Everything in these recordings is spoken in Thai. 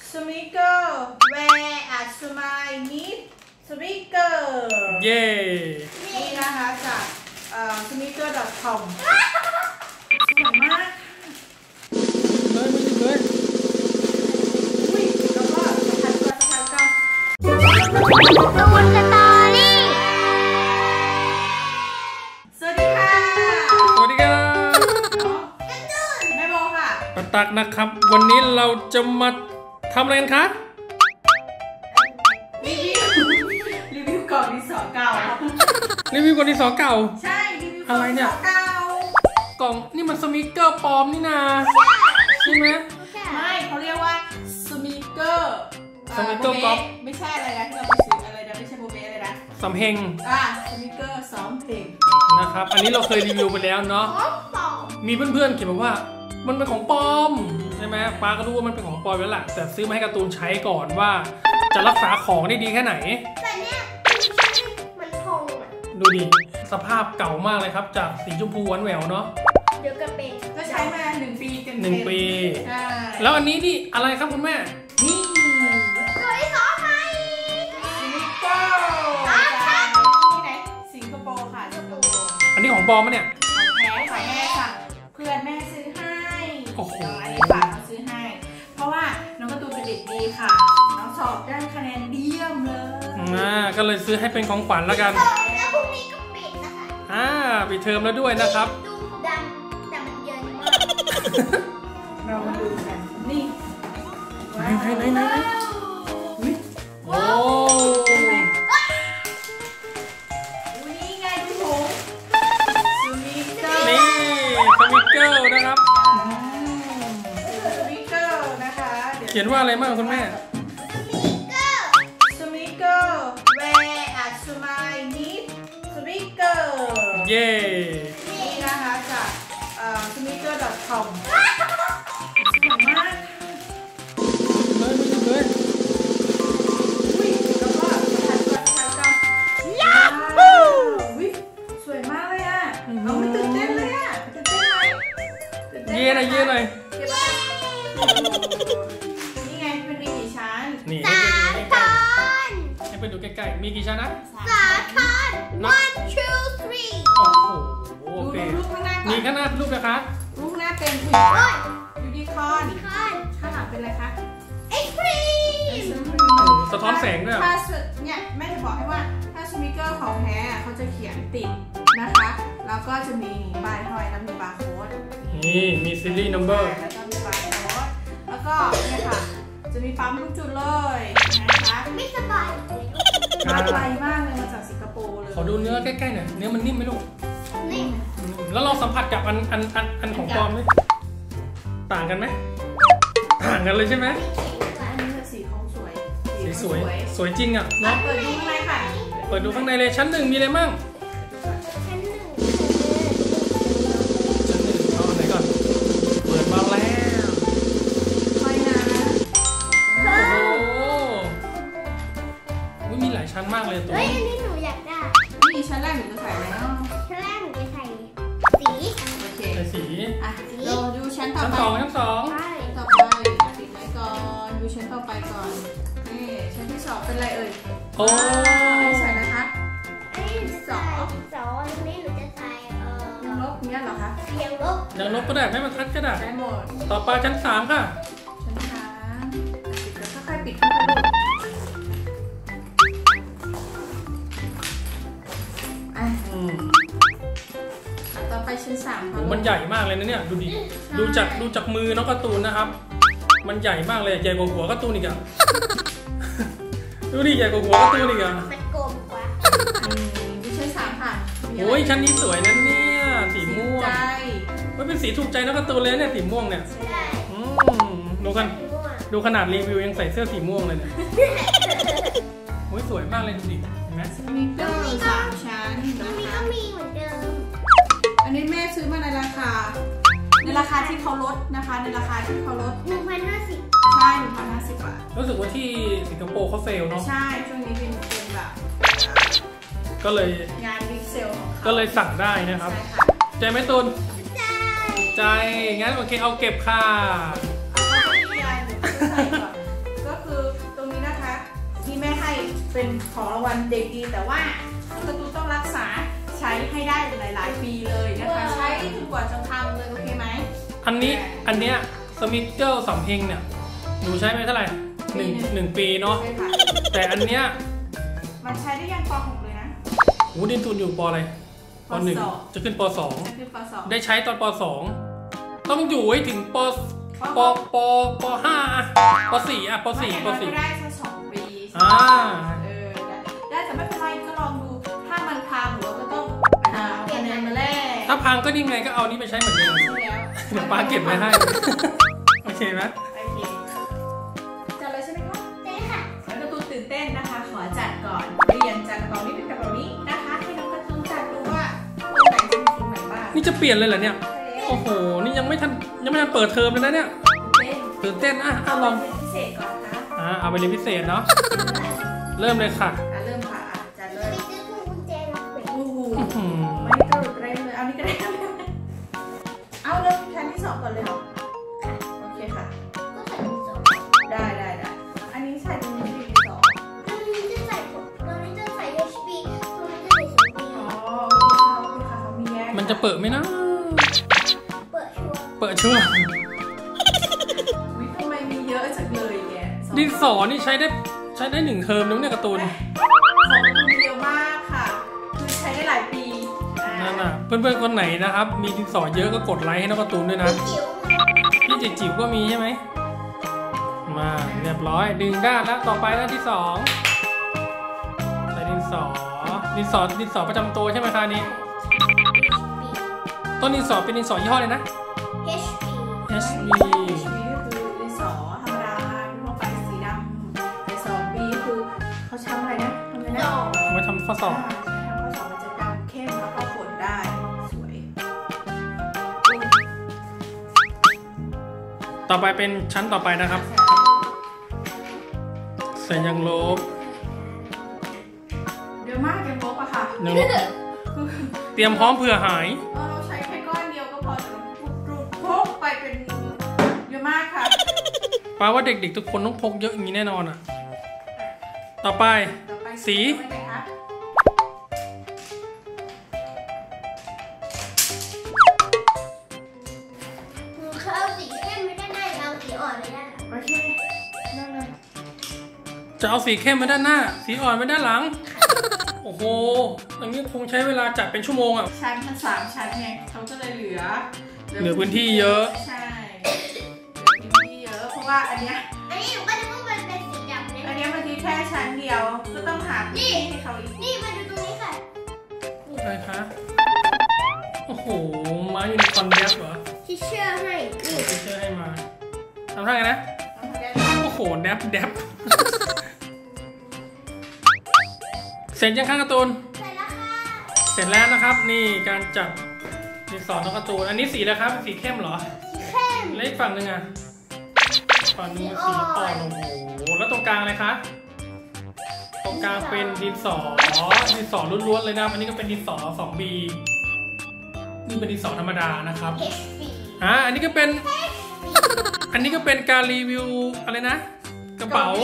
Sneaker wear a smile need Sneaker เย้นี่นะคะจากsneaker.com สวยมากเลยไม่ถึงเลยอุ้ยแล้วก็สะพายกันตูนสตอรี่สวัสดีค่ะสวัสดีครับแม่โบค่ะปะตักนะครับวันนี้เราจะมาทำอะไรกันคะรีวิวกล่องดินสอเก่ารีวิวกล่องดินสอเก่าใช่รีวิวกล่อะองไรดินเนี่สยอเก่ากล่องนี่มันสมิเกอร์ปลอมนี่นาใช่ไหมไม่เขาเรียกว่าสนีกเกอร์ก๊อปไม่ใช่อะไรนะที่เราไปซื้ออะไรนะไม่ใช่โบเบ้อะไรนะสำเพ็งสนีกเกอร์ซ้อมเพลงนะครับอันนี้เราเคยรีวิวไปแล้วเนาะมีเพื่อนๆเขียนมาว่ามันเป็นของปลอมใช่ไหมป้าก็รู้ว่ามันเป็นของปลอมแล้วแหละแต่ซื้อมาให้การ์ตูนใช้ก่อนว่าจะรักษาของได้ดีแค่ไหนแต่เนี้ยมันพองอ่ะดูดิสภาพเก่ามากเลยครับจากสีชมพูหวานแหววเนาะเดี๋ยวก็เป็นก็ใช้มา1 ปีเต็ม 1 ปีใช่แล้วอันนี้นี่อะไรครับคุณแม่นี่ตัวที่สองไหมสนิเกอร์ที่ไหนสิงคโปร์ค่ะสิงคโปร์อันนี้ของปลอมมั้ยเนี่ยของแม่ค่ะเพื่อนแม่ซื้อให้โอ้โหอันนี้ฝากเขาซื้อให้เพราะว่าน้องการ์ตูนเป็นเด็กดีค่ะน้องสอบได้คะแนนเยี่ยมเลยก็เลยซื้อให้เป็นของขวัญแล้วกันแล้วพรุ่งนี้ก็ปิดนะคะปิดเทอมแล้วด้วยนะครับดูดำแต่มันเย็นมากเรามาดูกันนี่ไหนโอ้นี่ไงดูผมสมิเกอร์นี่สมิเกอร์นะครับสมิเกอร์นะคะเขียนว่าอะไรบ้างคุณแม่สมิเกอร์ wear a smile need Sneaker เย้นี่นะคะจากsneaker.com สวยมากเลยไม่ถึงเลยอุ้ยแล้วก็สะพายกันยาฮูอุ้ยสวยมากเลยอ่ะเราไม่ตื่นเต้นเลยอ่ะตื่นเต้นไหมเย่เลยเก็บไว้นี่ไงเป็นมีกี่ชั้นนี่ให้ไปดูใกล้ๆมีกี่ชั้นนะ 3 ชั้น 1 2 3 โอ้โหโอเคดูรูปข้างหน้าก่อนมีข้างหน้ารูปนะคะรูปข้างหน้าเป็นยูนิคอร์นข้างหลังเป็นอะไรคะไอศครีมสะท้อนแสงด้วยถ้าเนี่ยแม่จะบอกให้ว่าถ้าสมิเกอร์ของแท้เขาจะเขียนติดนะคะแล้วก็จะมีป้ายห้อยแล้วมีบาร์โค้ดนี่มีซีรีส์นัมเบอร์แล้วก็มีบาร์โค้ดแล้วก็เนี่ยค่ะจะมีปั๊มทุกจุดเลยนะคะไม่สบายมาไกลมากเลยมาจากสิงคโปร์เลยขอดูเนื้อใกล้ๆหน่อยเนื้อมันนิ่มไหมลูกนิ่มแล้วเราสัมผัสกับอันของปลอมไหมต่างกันไหมต่างกันเลยใช่ไหมอันนี้สีเขาสวยสวยจริงอ่ะเนาะเปิดดูข้างในค่ะเปิดดูข้างในเลยชั้น 1มีอะไรมั่งชั้น 1 เอาไหนก่อนเปิดมาแล้วค่อยนะโอ้มีหลายชั้นมากเลยตัวเฮ้ยอันนี้หนูอยากได้นี่ชั้นแรกหนูจะใส่แล้วชั้นแรกหนูจะใส่สีโอเคใส่สีเราดูชั้นต่อไปชั้น 2 ต่อไปปิดไว้ก่อนดูชั้นต่อไปก่อนนี่ชั้นที่2เป็นอะไรเอ่ยโอ้ใส่นะคะอันนี้หนูจะใส่2อันนี้หนูจะใส่ยังลบเนี่ยเหรอคะยังลบก็ได้ให้มันทัดก็ได้ได้หมดต่อไปชั้น 3ค่ะชั้น3ปิดแล้วค่อยๆปิดค่อยๆดูต่อไปชั้น3ค่ะมันใหญ่มากเลยนะเนี่ยดูดิดูจากมือน้องการ์ตูนนะครับมันใหญ่มากเลยใหญ่กว่าหัวการ์ตูนอีกอะดูดิใหญ่กว่าหัวการ์ตูนอีกอะมันกลมกว่าดูชั้น3ค่ะโอ้ยชั้นนี้สวยนะเนี่ยสีม่วงมันเป็นสีถูกใจน้องการ์ตูนเลยเนี่ยสีม่วงเนี่ยดูขนาดรีวิวยังใส่เสื้อสีม่วงเลยเนี่ยโอ้ยสวยมากเลยดูดิเห็นไหมสนิเกอร์3 ชั้นตรงนี้ก็มีเหมือนเดิมอันนี้แม่ซื้อมาในราคาที่เขาลดนะคะในราคาที่เขาลด 1,050 ใช่1,050 บาทรู้สึกว่าที่สิงคโปร์เขาเซลเนาะใช่ช่วงนี้เป็นแบบก็เลยงานบิ๊กเซลของเขาก็เลยสั่งได้นะครับใจไหมตูนใจงั้นโอเคเอาเก็บค่ะก็เป็นของรางวัลเด็กดีแต่ว่าน้องการ์ตูนต้องรักษาใช้ให้ได้หลายๆปีเลยนะคะใช้จนกว่าจะพังเลยโอเคไหมอันเนี้ยสมิเกิลสำเพ็งเนี่ยหนูใช้ไปเท่าไหร่หนึ่งปีเนาะแต่อันเนี้ยมันใช้ได้ยังป .6 เลยนะโอ้ดินตูนอยู่ปอะไรป .1 จะขึ้นป .2 ได้ใช้ตอนป .2 ต้องอยู่ให้ถึงป .5 ป .4 อ่ะป .4 ก็ได้แค่2 ปีได้แต่ไม่เป็นไรก็ลองดูถ้ามันพังหรือก็ต้องคะแนนมาแลกถ้าพังก็นี่ไงก็เอานี้ไปใช้เหมือนเดิมเดี๋ยวป้าเก็บไว้ให้โอเคไหมโอเคจัดเลยใช่ไหมคะใช่ค่ะแล้วการ์ตูนตื่นเต้นนะคะขอจัดก่อนเรียนจัดกระเป๋านี้เป็นกระเป๋านี้นะคะให้น้องการ์ตูนจัดดูว่าตัวไหนจะมีตรงไหนบ้างนี่จะเปลี่ยนเลยเหรอเนี่ยโอ้โหนี่ยังไม่ทันเปิดเทอมเลยนะเนี่ยตื่นเต้นลองพิเศษก่อนนะเอาไปเรียนพิเศษเนาะเริ่มเลยค่ะเริ่มค่ะจัดเลยโอ้โหไม่ตรุดเร่งเลยเอานี่ก็ได้เอาเริ่มชั้นที่2ก่อนเลยเหรอโอเคค่ะก็ใส่ที่2 ได้อันนี้ใส่ตรงนี้ที่2 ตรงนี้จะใส่HB ตรงนี้จะใส่2B อ๋อโอเคค่ะเขามีแยกมันจะเปิดไหมนะเปิดชัวร์วิทำไมมีเยอะจังเลยแกดินสอนี่ใช้ได้1 เทอมแล้วเนี่ยการ์ตูนของการ์ตูนเยอะมากค่ะคือใช้ได้หลายปีนั่นน่ะเพื่อนๆคนไหนนะครับมีดินสอเยอะก็กดไลค์ให้น้องการ์ตูนด้วยนะพี่จิ๋วก็มีใช่ไหมมาเรียบร้อยดึงด้านแล้วต่อไปด้านที่2ใส่ดินสอประจำตัวใช่ไหมคะนี้ต้นดินสอเป็นดินสอยี่ห้อเลยนะ HB ก็คือดินสอธรรมดาทั่วไปสีดำแต่2 ปีคือเขาใช้อะไรนะทำอะไรนะเอามาทำข้อสอบมันจะดำเข้มแล้วก็ฝนได้สวยต่อไปเป็นชั้นต่อไปนะครับใส่ยางลบเยอะมากยางลบอะค่ะเตรียมพร้อมเผื่อหายเราใช้แค่ก้อนเดียวก็พอแต่พกไปเป็นเยอะมากค่ะแปลว่าเด็กๆทุกคนต้องพกเยอะอย่างนี้แน่นอนอ่ะต่อไปสีจะเอาสีเข้มไว้ด้านหน้าสีอ่อนไว้ด้านหลังโอ้โหอย่างนี้คงใช้เวลาจัดเป็นชั่วโมงอ่ะชั้นมัน3 ชั้นไงเขาก็เลยเหลือพื้นที่เยอะใช่เหลือพื้นที่เยอะเพราะว่าอันนี้หนูก็นึกว่ามันเป็นสีดำอันนี้มันแค่ชั้นเดียวก็ต้องหาที่ให้เขาอีกนี่มาดูตรงนี้ค่ะอะไรคะโอ้โหมายูนิคอร์นแดบเหรอทิชเชอร์ให้ทิชเชอร์ให้มาทำท่าไงนะโอ้โหแดบเสร็จยังข้างการ์ตูนเสร็จแล้วนะครับนี่การจัดดินสอน้องการ์ตูนอันนี้สีอะไรครับสีเข้มเหรอเข้มแล้วอีกฝั่งหนึ่งอ่ะฝั่งนึงสีอ่อนโอ้โหแล้วตรงกลางอะไรคะตรงกลางเป็นดินสอล้วนๆเลยนะอันนี้ก็เป็นดินสอ 2B นี่เป็นดินสอธรรมดานะครับอันนี้ก็เป็นการรีวิวอะไรนะกระเป๋า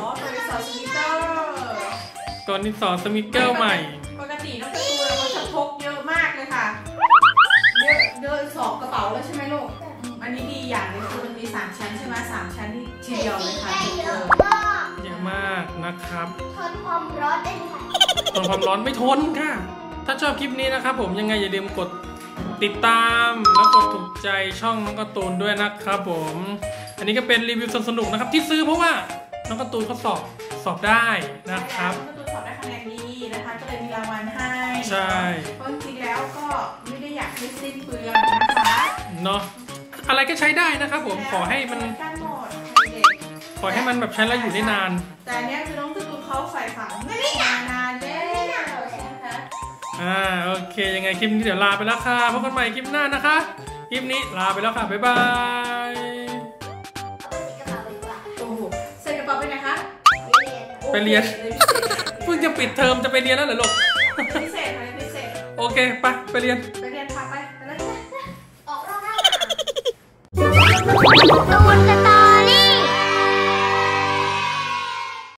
ตัวดินสอสมิเกิลใหม่ปกติน้องการ์ตูนเราจะพกเยอะมากเลยค่ะเดิน2 กระเป๋าแล้วใช่ไหมลูกอันนี้ดีอย่างนึงคือมันมี3 ชั้นใช่ไหม3 ชั้นที่ทีเดียวเลยค่ะเยอะมากนะครับทนความร้อนได้ไหมคะทนความร้อนไม่ทนค่ะถ้าชอบคลิปนี้นะครับผมยังไงอย่าลืมกดติดตามแล้วกดถูกใจช่องน้องการ์ตูนด้วยนะครับผมอันนี้ก็เป็นรีวิวสนุกนะครับที่ซื้อเพราะว่าน้องการ์ตูนเขาสอบได้นะครับสอบได้คะแนนดีนะคะก็เลยมีรางวัลให้ใช่เพราะจริงๆแล้วก็ไม่ได้อยากให้สิ้นเปลืองนะคะเนาะอะไรก็ใช้ได้นะครับผมขอให้มันแบบใช้แล้วอยู่ได้นานแต่เนี้ยคือน้องการ์ตูนเขาใส่ฝังไม่ได้นานเลยนะคะโอเคยังไงคลิปนี้เดี๋ยวลาไปแล้วค่ะพบกันใหม่คลิปหน้านะคะคลิปนี้ลาไปแล้วค่ะบ๊ายบายใส่กระเป๋าไปไหนคะไปเรียนเพิ่งจะปิดเทอมจะไปเรียนแล้วเหรอลูกพิเศษโอเคไปเรียนพาไปแล้วออกรอบหน้า